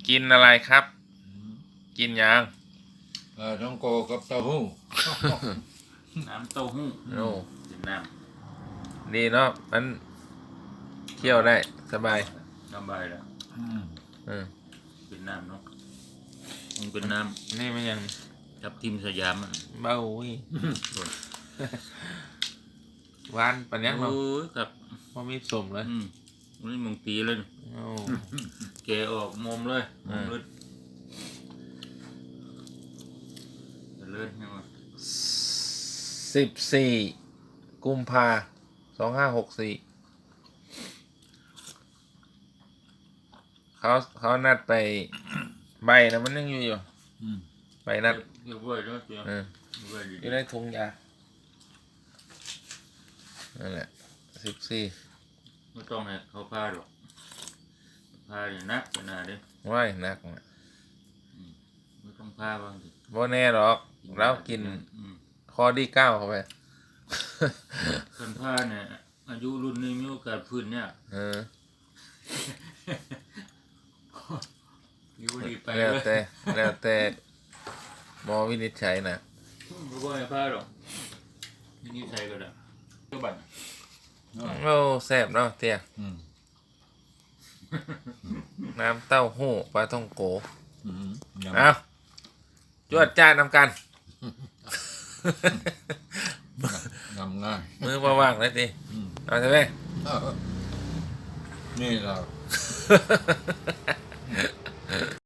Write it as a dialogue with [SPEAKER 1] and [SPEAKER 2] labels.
[SPEAKER 1] กินอะไรครับ กินยัง
[SPEAKER 2] น้องโกกับเต้าหู้
[SPEAKER 3] น้ำเต้าหู้
[SPEAKER 1] โอ้
[SPEAKER 3] เป็นน้
[SPEAKER 1] ดีเนาะมันเที่ยวได้สบาย
[SPEAKER 3] ำสบายแล้ว
[SPEAKER 1] อืม
[SPEAKER 3] เป็นน้ำเนาะมันเป็นน้
[SPEAKER 1] นี่มันยัง
[SPEAKER 3] ำทับทิมสยามมัน
[SPEAKER 1] เบาอุ้ยหวานปัญญา
[SPEAKER 3] โอ้
[SPEAKER 1] เนาะ
[SPEAKER 3] ยครับ
[SPEAKER 1] พอมีสมเลย
[SPEAKER 3] นี่มึงตีเลย
[SPEAKER 1] โอ้
[SPEAKER 3] แกะออกมอมเลยมอมเลยเลื่อนให้มา
[SPEAKER 1] 14 กุมภา2564เขานัดไปใบนะมันยังอยู่ใบนัด
[SPEAKER 3] เรียบร้อยแล้วเจ้า
[SPEAKER 1] เออ
[SPEAKER 3] เรียบร้อยดี
[SPEAKER 1] อยู่ในถุงยานั่นแหละ14
[SPEAKER 3] ไม่ต้องให้เขาพาหรอกพาอย่างนักขนาดเด้
[SPEAKER 1] ว้ายหนักนะ
[SPEAKER 3] ไม่ต้องพาบ้างสิ
[SPEAKER 1] บ่แน่หรอกเรากินคอดี9เข้าไป
[SPEAKER 3] คนพาเนี่ยอายุรุ่นนี้มีโอกาสฟื้นเนี่ย
[SPEAKER 1] เออ
[SPEAKER 3] อยู่ดีไป
[SPEAKER 1] แล้ว
[SPEAKER 3] เลย
[SPEAKER 1] แต่หมอวินิจฉัยนะ
[SPEAKER 3] ไม่ต้องให้พาหรอกนี่ใส่ก็ได้ก็บัตร
[SPEAKER 1] โอ้แซ่บเนาะเตี้ยน้ำเต้าหู้ปลาท่องโกเอาจวดจ้านนำกัน
[SPEAKER 2] ยำง่าย
[SPEAKER 1] มือว่างๆเลยดิเอาใช่ไหม
[SPEAKER 2] นี่เรา